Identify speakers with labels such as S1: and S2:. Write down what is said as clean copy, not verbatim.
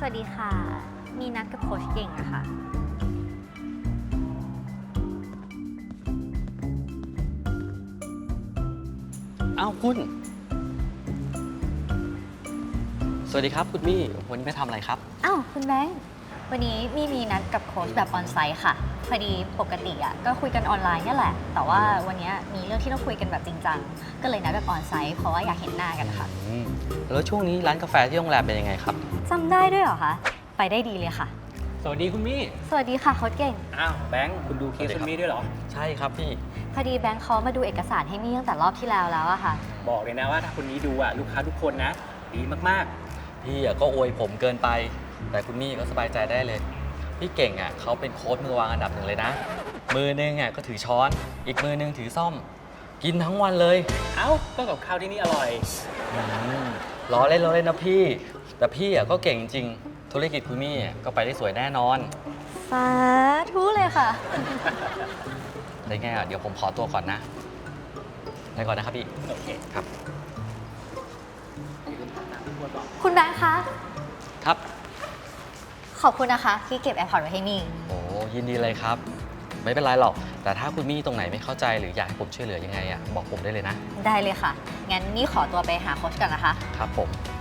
S1: วัสดีค่ะ มีนัดกับโค้ชเก่งอะค่ะ
S2: อ้าวคุณสวัสดีครับคุณมี่วันนี้ไปทำอะไรครับ
S1: อ้าวคุณแบงค์วันนี้มีนัดกับโค้ชแบบออนไซต์ค่ะ พอดีปกติอะก็คุยกันออนไลน์นี่แหละ แต่ว่าวันนี้มีเรื่องที่ต้องคุยกันแบบจริงจัง ก็เลยนัดแบบออนไซต์เพราะว่าอยากเห็นหน้ากันค่ะ
S2: แล้วช่วงนี้ร้านกาแฟที่โรงแรมเป็นยังไงครับ
S1: จำได้ด้วยเหรอคะ ไปได้ดีเลยค่ะ
S3: สวัสดีคุณมี่
S1: สวัสดีค่ะโค้ชเก่ง
S3: อ้าวแบงค์คุณดูเคสคุณมี่ด้วยเหรอ
S2: ใช่ครับพี่
S1: พอดีแบงค์เขามาดูเอกสารให้มี่ตั้งแต่รอบที่แล้วอะค่ะ
S3: บอกเลยนะว่าถ้าคนนี้ดูลูกค้าทุกคนนะ ดีมาก
S2: พี่ก็อวยผมเกินไป แต่คุณมี่ก็สบายใจได้เลย พี่เก่งเขาเป็นโค้ชมือวางอันดับหนึ่งเลยนะ มือนึงก็ถือช้อน อีกมือนึงถือซ่อม กินทั้งวันเลย
S3: ๆ เอ้าก็กับข้าวที่นี่อร่อย
S2: อืมล้อเล่นนะพี่ แต่พี่ก็เก่งจริงๆธุรกิจคุณมี่ก็ไปได้สวยแน่นอน
S1: สาธุเลยค่ะ
S2: ได้ไงเดี๋ยวผมขอตัวก่อนนะไปก่อนนะครับพี่
S3: โอเค
S2: ครับ
S1: คุณแบงค์คะ
S2: ครับ
S1: ขอบคุณนะคะที่เก็บ AirPods ไว้ให้มี่
S2: โอ้ยินดีเลยครับ ไม่เป็นไรหรอก แต่ถ้าคุณมี่ตรงไหนไม่เข้าใจหรืออยากให้ผมช่วยเหลือยังไงบอกผมได้เลยนะ
S1: ได้เลยค่ะ งั้นนี่ขอตัวไปหาโค้ชก่อนนะคะ
S2: ครับผม